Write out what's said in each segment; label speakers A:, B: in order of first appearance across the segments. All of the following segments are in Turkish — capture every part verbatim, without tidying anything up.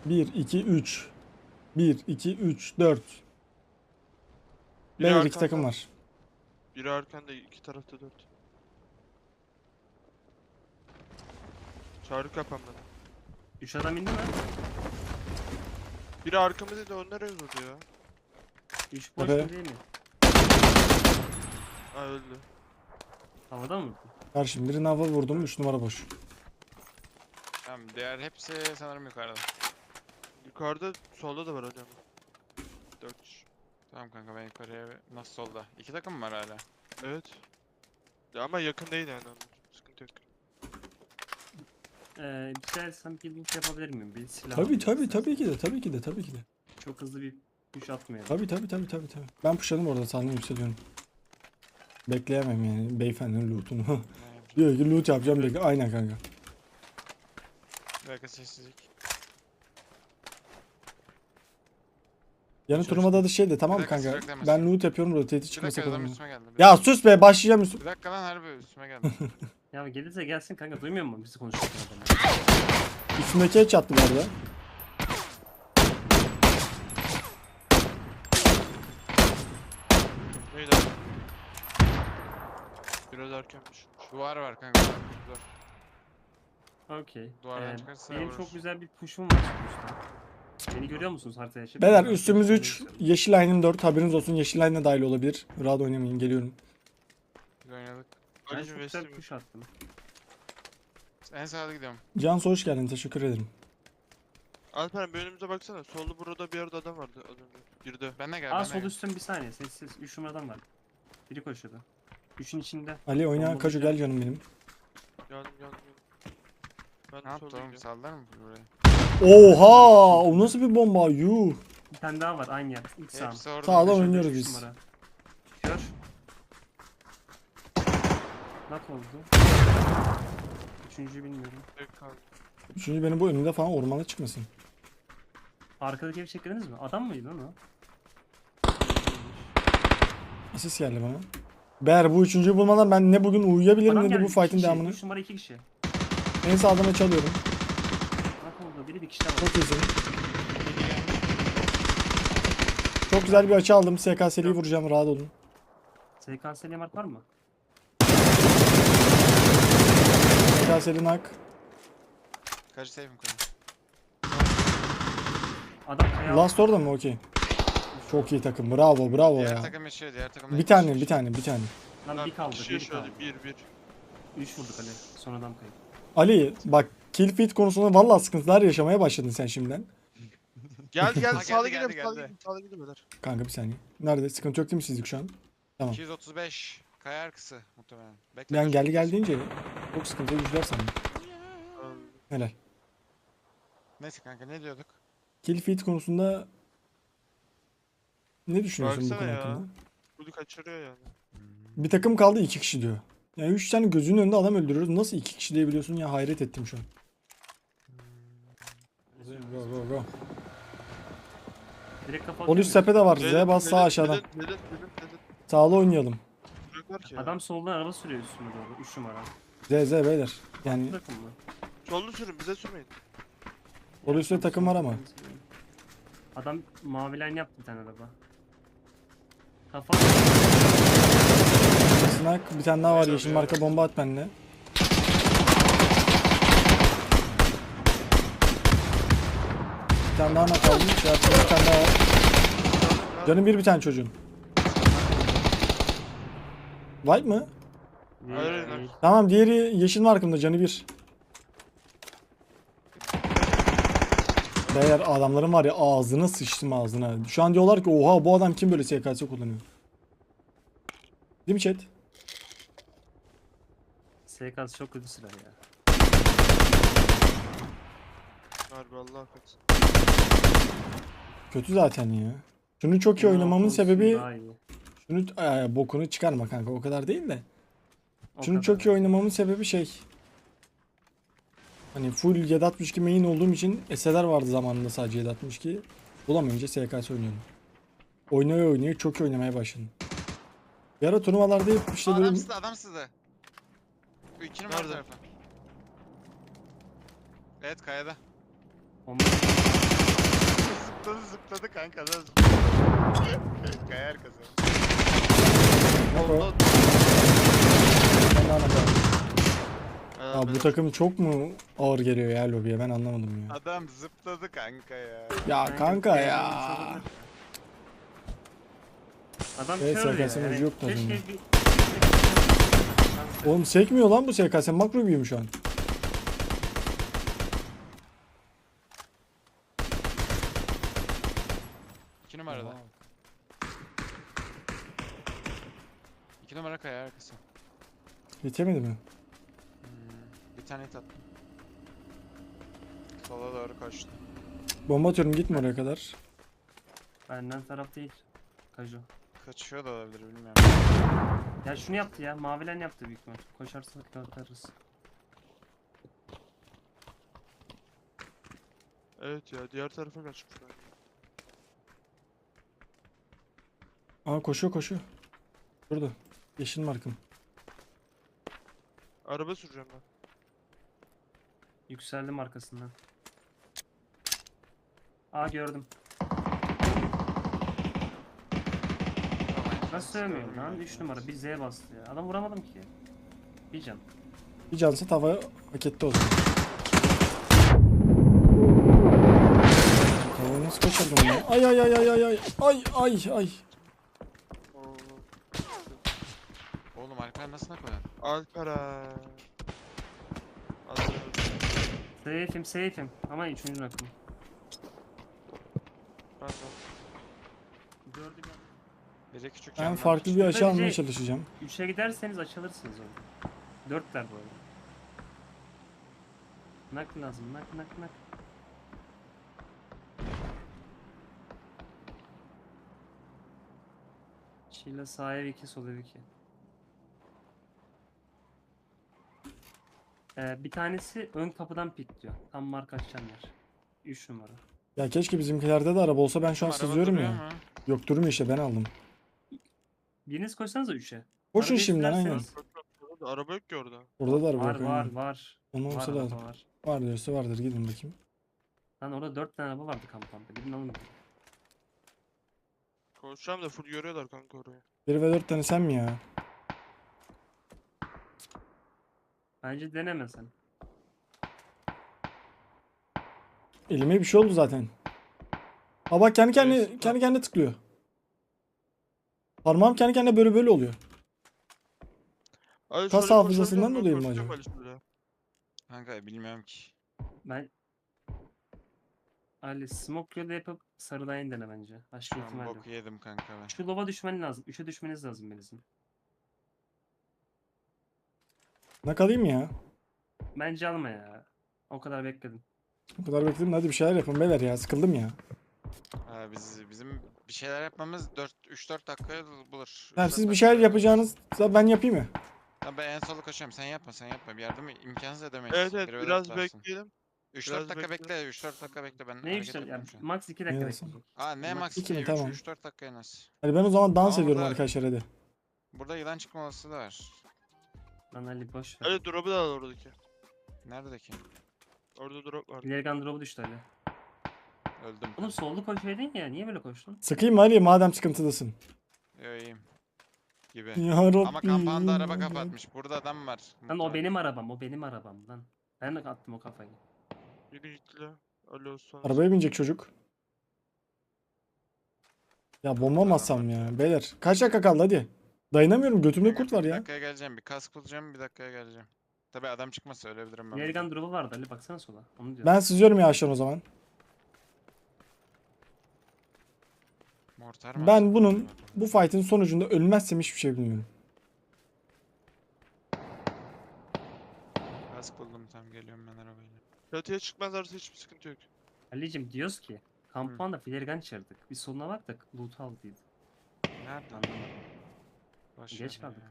A: bir, iki, üç. bir, iki, üç, dört.
B: Biri
A: Beyler iki
B: arkanda.
A: takım var.
B: Biri arkanda, iki tarafta dört. Çağrı kapan bana.
C: Üç adam indi mi?
B: Biri arkamızda da onlar öldü ya.
C: Üç boş
A: Evet.
C: mu değil mi?
B: Ha öldü.
C: Havada mı?
A: Karşım birine hava vurdum. üç numara boş.
D: Tamam, diğer hepsi sanırım yukarıda.
B: Yukarıda solda da var hocam. dört kişi.
D: Tamam kanka, ben yukarıya nasıl solda? İki takım mı var hala?
B: Evet. Ya ama yakın değil yani onlar. Sıkıntı yok.
C: Ee, güzelsem bir link yapabilir miyim? Bir silah
A: Tabii
C: alayım
A: tabii
C: istersen.
A: tabii ki de tabii ki de tabii ki de.
C: Çok hızlı bir push atmayalım.
A: Tabii tabii tabii tabii tabii. Ben pushladım orada sandım yükseliyorum. Bekleyemem yani beyefendinin loot'unu.
D: Ne yapacağım?
A: Diyor ki loot yapacağım bekle. Aynen kanka.
D: Bir dakika, sessizlik.
A: Yani
B: Hiç
A: turnuvada da şey de tamam
D: Bir
A: mı
D: dakika,
A: kanka?
D: sürekli
A: Ben
D: demez.
A: loot yapıyorum rotate'i
D: Bir
A: çıkmasa
D: dakika,
A: kadar.
D: adam
A: mı?
D: üstüme geldi. Bir
A: Ya
D: dakika.
A: sus be başlayacağım üstüme.
D: Bir dakika lan, harbi üstüme geldi.
C: Ya gelirse gelsin kanka, duymuyor musun bizi konuşurken adamı?
A: Üstümdeki hiç attı bu arada.
B: Neydi abi? Biraz erkenmiş.
D: Duvar var kanka. Duvar.
C: Okey.
D: Duvardan
C: Ee,
D: çıkarsa
C: benim
D: vururuz.
C: çok güzel bir push'um var üstte. Beni görüyor musunuz haritaya? Şey,
A: Beyler
C: ben
A: üstümüz
C: arkadaşlarımı
A: üç.
C: gösteriyorum.
A: Yeşil line'ın dört. Haberiniz olsun yeşil line de dahil olabilir. Rahat oynamayın geliyorum.
D: Biz oynadık.
C: Ben
B: Ali'cim
C: çok güzel bir
B: West'im.
C: push attım.
D: En sağda gidiyorum.
A: Cansu hoş geldin teşekkür ederim.
B: Alperen bir önümüze baksana. Solda burada bir yerde adam vardı az önce. Girdi.
D: Ben de gel.
C: Aa
D: ben de
C: sol
D: gel.
C: üstten bir saniye sessiz. Üç numaradan var. Biri koşuyordu. Üçün içinde.
A: Ali oyna
C: Bomba
A: Kaju
C: güzel.
A: gel canım benim.
B: Geldim geldim geldim. Ben
D: Ne
B: de
D: yaptı
B: solda
D: oğlum?
B: gidiyorum.
D: Sallar mı burayı?
A: Oha! O nasıl bir bomba? Yuh!
C: Bir tane daha var aynı yer. İlk sağ.
D: Hepsi orada.
A: Sağda
D: Beş-
A: oynuyoruz
C: Üç
A: biz.
C: numara. Kör. Nak oldu. Üçüncüyü bilmiyorum.
B: Tek kaldı.
A: Üçüncü benim bu önümde falan ormana çıkmasın.
C: Arkadaki evi çektirdiniz mi? Adam mıydı lan o?
A: Asist geldi bana. Ber bu üçüncüyü bulmadan ben ne bugün uyuyabilirim
C: Adam
A: ne de
C: geldi,
A: bu
C: iki
A: fight'in
C: kişi.
A: devamını.
C: Üç numara iki kişi.
A: En sağdan çalıyorum.
C: Nak oldu. Biri bir kişi daha var.
A: Çok iyisin. Çok güzel bir açı aldım. S K S'liyi vuracağım rahat olun.
C: S K S mark var mı?
A: S K S'li nak.
D: Kaç safe'im koyayım?
C: Adam kaya
A: Last orada mı? Okey. Çok iyi takım. Bravo bravo
D: Diğer
A: ya.
D: takım yaşıyor, diğer takım
A: Bir tane bir tane bir tane.
C: Lan bir kaldı.
B: Kişi
C: Bir
B: yaşıyordu.
C: kaldı.
B: Bir bir.
C: Üç vurduk Ali. Son adam kayıp.
A: Ali bak kill feed konusunda vallahi sıkıntılar yaşamaya başladın sen şimdiden.
B: Gel gel
D: Ha,
B: sağda
D: geldi,
B: gidelim
D: geldi,
B: sağda
D: geldi.
B: gidelim sağda gidelim beyler.
A: Kanka bir saniye. Nerede? Sıkıntı yok değil mi sizlik şu an? Tamam.
D: iki yüz otuz beş. Kaya arkası muhtemelen. Bekle.
A: Ben
D: dur.
A: geldi gel deyince çok sıkıntı güçler sandım.
B: Ee,
A: Helal.
D: Neyse kanka, ne diyorduk?
A: Kill feed konusunda ne düşünüyorsun bu
B: Baksana
A: konu
B: ya.
A: hakkında?
B: Bunu kaçırıyor yani.
A: Bir takım kaldı iki kişi diyor. Yani üç tane gözünün önünde adam öldürüyoruz. Nasıl iki kişi diyebiliyorsun ya hayret ettim şu an. Go go go.
C: Direkt kafa
A: Ol üst
C: atıyor
A: sepete var. Z
B: Neden-
A: bas sağ
B: neden-
A: aşağıdan.
B: Neden neden neden neden?
A: Sağlı oynayalım.
B: Bıraklar ki ya.
C: Adam soldan araba sürüyor üstüme doğru. Üç numara.
A: Z Z beyler. Yani
C: Bırakın mı?
B: Sollu sürün bize sürmeyin.
A: ol üstte takım var ama.
C: Adam mavi line yaptı bir tane araba. Kafa
A: Snak bir tane daha var.
B: Güzel
A: Yeşil
B: ya.
A: marka bomba at bende. Bir tane daha nak aldım. Şey yaptım, bir tane daha var. Canım bir bir tane çocuğun. White mı?
B: Hayır, hayır, hayır.
A: Tamam diğeri yeşil markımda canı bir. Beyler adamların var ya ağzına sıçtım ağzına. Şu an diyorlar ki oha bu adam kim böyle S K S kullanıyor. Değil mi chat?
C: S K S çok kötü silah ya.
B: Harbi Allah affetsin.
A: Kötü zaten ya. Şunu çok iyi
C: Bunun
A: oynamamın
C: olsun
A: sebebi
C: daha iyi.
A: şunu Ay, bokunu çıkarma kanka o kadar değil de.
C: O
A: Şunu
C: kadar.
A: çok iyi oynamamın sebebi şey. Hani full yedi altmış iki main olduğum için S L'ler vardı zamanında sadece yedi altmış iki. Bulamayınca S K S oynuyorum. Oynaya oynaya çok iyi oynamaya başladım. Bir ara turnuvalarda hep işte
D: Aa, adam
A: böyle
D: sızdı, adam sızdı. Bu iki numara
B: Nerede?
D: tarafı. Evet, kayada.
C: Bomba.
D: zıpladı zıpladı kanka da zıpladı. Kayar kazan.
A: Bak o. Ben de anlamadım. Ya bu takım çok mu ağır geliyor ya lobiye, ben anlamadım ya.
D: Adam zıpladı kanka ya.
A: Ya kanka ya.
C: Adam
A: Evet,
C: kör ya.
A: S K S'nin
C: Yani
A: ucu yoktu az
C: keşke
A: önce.
C: bir...
A: Oğlum sekmiyor lan bu S K S, makro büyüğüm şu an.
D: İki numarada. İki numara kaya arkası.
A: Yetemedi mi?
D: Hmm, bir tane hit attım. Sola doğru koştu.
A: Bomba atıyorum, gitme oraya kadar.
C: Benden taraf değil. Kaju.
D: Kaçıyor da olabilir bilmiyorum.
C: Ya şunu yaptı ya. Mavilen yaptı büyük ihtimal. Koşarsa atarız.
B: Evet ya, diğer tarafa kaçmışlar.
A: Aa koşuyor koşuyor. Burada. Yeşil markım.
B: Araba süreceğim ben.
C: Yükseldim arkasından. Aa gördüm. Nasıl sövmüyorum lan? üç numara bir Z bastı ya. Adam vuramadım ki. Bir can.
A: Bir cansı tava hak etti o zaman. Tavayı nasıl kaçırdım ya? Ay ay ay ay ay ay ay ay ay.
B: Oo.
D: Oğlum Alper nasıl nak koyan?
B: Alperen. Alperen.
C: Safe'im safe'im. Ama üçüncü nakım.
B: Ben de.
C: Gördüm ya.
D: Biri küçük
A: Ben
D: camdan
A: farklı bir
D: çıktı.
A: açı almaya
C: Bence-
A: çalışacağım.
C: üçe giderseniz açılırsınız orada. Dörtler bu arada. Nak lazım nak nak nak. Şile sağ ev iki sol ev iki. Ee, bir tanesi ön kapıdan pikliyor. Tam marka açacağım yer. üç numara.
A: Ya keşke bizimkilerde de araba olsa, ben şu an
D: Araba
A: sızıyorum
D: duruyor
A: ya.
D: mu?
A: Yok durmuyor işte, ben aldım.
C: Biriniz koşsanıza üçe.
A: Koşun
C: Arabayı
A: şimdiden aynen.
C: sürerseniz-
B: Bak, bak, orada araba yok ki orada.
A: Orada da araba
C: Var
A: yok.
C: var
A: aynen.
C: var.
A: Onun
C: Var
A: olsa
C: araba
A: lazım.
C: var.
A: Var diyorsa vardır, gidin bakayım.
C: Lan orada dört tane araba vardı kamp kampta. Gidin alın.
B: Koşacağım da full görüyorlar kanka orayı.
A: bir ve dört tane sen mi ya?
C: Bence deneme sen.
A: Elime bir şey oldu zaten. Ha bak, kendi kendine
B: Evet,
A: kendi kendine tıklıyor. Parmağım kendi kendine böyle böyle oluyor.
B: Ali,
A: Kas
B: şöyle
A: hafızasından
B: koşabiliyor
A: dolayı mı
B: musun?
A: acaba?
B: Koşacağım Ali şöyle.
D: Kanka bilmiyorum ki.
C: Ben Ali smoke yolu yapıp sarıdan dene bence. Başka
D: Şu an
C: ihtimal yok.
D: boku yedim kanka ben.
C: Şu lova düşmen lazım. Üçe düşmeniz lazım Melis'in.
A: Ne kalayım ya?
C: Bence alma ya. O kadar bekledim.
A: O kadar bekledim, hadi bir şeyler yapın beyler ya, sıkıldım ya.
D: Ha, biz, bizim bir şeyler yapmamız dört üç dört dakikaya bulur.
A: Ya
D: üç
A: siz
D: dört
A: bir şeyler
D: dakikaya
A: yapacağınız da ben yapayım mı?
D: bulur. Tamam, ben en solu koşuyorum. Sen yapma sen yapma. Bir yardım imkansız edemeyiz.
B: Evet evet,
D: Biri öyle
B: biraz
D: atlarsın.
B: bekleyelim.
D: üç
B: biraz
D: dört dakika
B: bekle.
D: bekle. üç dört dakika bekle ben
C: Ne
D: hareket
C: işte ya,
D: yapıyorum şu an.
C: max iki dakika
A: Neyse.
C: bekleyecek.
D: Aa ne
C: Max
D: max
A: iki mi?
D: iki
A: Tamam.
D: üç dört dakika en az.
A: Hadi ben o zaman dans
D: Ama
A: ediyorum
D: burada-
A: arkadaşlar, hadi.
D: Burada yılan çıkma olasılığı da var.
C: Lan Ali boş ver.
B: Ali drop'u da al oradaki.
D: Neredeki?
B: Orada drop var.
C: İleri gandrobu düştü Ali.
D: Öldüm.
C: Oğlum sollu koşuydun ya. Niye böyle koştun?
A: Sıkayım mı Ali, madem sıkıntılısın?
D: Yo iyiyim. Gibi.
A: Ya Rabbi.
D: Ama kampanda araba kapatmış. Burada adam var.
C: Lan o
D: Muhtemelen.
C: benim arabam. O benim arabam lan. Ben de attım o kafayı.
B: Yürü git la. Ali olsun.
A: Arabaya binecek çocuk. Ya bomba mı atsam ya? Beyler kaç dakika kaldı hadi. Dayanamıyorum, götümde
D: Kanka,
A: kurt var
D: Bir
A: ya.
D: dakikaya geleceğim. Bir kask bulacağım. Bir dakikaya geleceğim. Tabi adam çıkmazsa ölebilirim ben.
C: İleri
D: burada.
C: gandrobu vardı Ali baksana sola. Onu diyorum.
A: Ben sızıyorum yavaştan o zaman.
D: Mortar mı
A: Ben
D: atsam
A: bunun
D: acaba?
A: bu fight'in sonucunda ölmezsem hiçbir şey bilmiyorum.
D: Kask buldum tam geliyorum ben arabayla.
B: Çatıya çıkmazlarsa hiçbir sıkıntı yok.
C: Ali'cim diyoruz ki kampanda filerigan çırdık. Bir soluna baktık. Loot aldıydı.
D: Nerede?
C: Anlamadım.
D: Boş
C: Geç
D: ver
C: kaldık.
D: ya.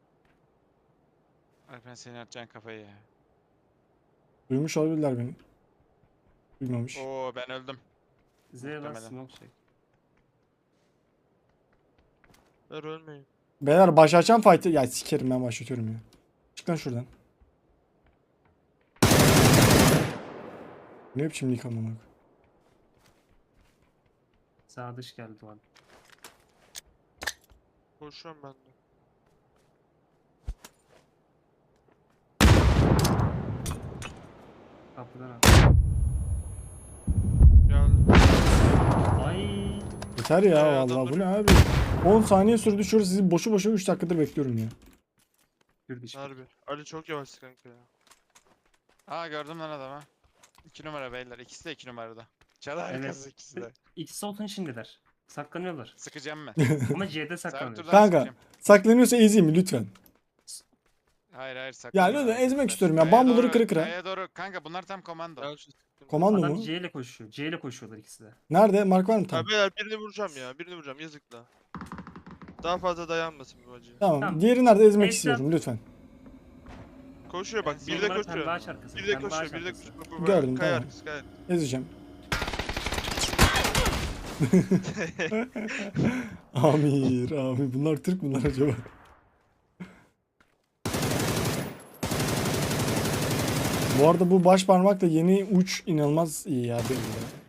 D: Alper senin atacaksın kafayı ya.
A: Duymuş olabilirler beni. Duymamış.
D: Oo ben öldüm.
C: Z bas
D: Muhtemelen.
C: smoke çek.
B: Ver ölmeyin.
A: Beyler başlatacağım fight'ı. Ya sikerim, ben başlatıyorum ya. Çık lan şuradan. Ne biçim lik amına.
C: Sağ dış geldi o an.
B: Koşuyorum ben de.
C: Kapıdan al.
B: Geldi.
C: Ay.
A: Yeter ya
B: Ee,
A: vallahi
B: adamları-
A: bu ne abi? on saniye sürdü şurada sizi boşu boşuna üç dakikadır bekliyorum ya.
C: Kürdü işte.
B: Harbi. Ali çok yavaş kanka ya.
D: Aa gördüm lan adamı. iki numara beyler. İkisi de iki numarada. Çalı arkası
C: Evet.
D: ikisi de.
C: İkisi olsun şimdiler. Saklanıyorlar.
D: Sıkacağım mı?
C: Ama C'de saklanıyor.
D: Sertur'dan
A: Kanka.
D: sıkacağım.
A: Saklanıyorsa ezeyim mi lütfen?
D: Hayır hayır
A: Ya
D: saklanma.
A: lütfen ezmek
D: hareketler.
A: istiyorum ya.
D: Kaya
A: Bambuları
D: doğru-
A: kıra kıra.
D: Kaya doğru. Kanka bunlar tam komando.
B: Gel şu sıkıntı.
A: Komando
C: Adam
A: mu?
C: C ile koşuyor. C ile koşuyorlar ikisi de.
A: Nerede? Mark var mı?
B: Ya
A: Tamam.
B: beyler birini vuracağım ya. Birini vuracağım yazık la. Daha fazla dayanmasın bu acı.
A: Tamam.
C: Tamam.
A: Diğeri nerede? Ezmek
C: Neyse.
A: istiyorum lütfen.
B: Koşuyor bak.
C: Son
B: Bir de
C: numara
B: koşuyor.
C: pembe ağaç arkası.
B: Bir de
C: Pembe
B: koşuyor.
C: ağaç
B: Bir de
C: arkası.
B: koşuyor. Bak, bak,
A: Gördüm,
B: Kaya
A: tamam.
B: arkası kaya.
A: Ezeceğim. Amir, Amir. Bunlar Türk bunlar acaba? Bu arada bu baş parmakla yeni uç inanılmaz iyi ya benim de.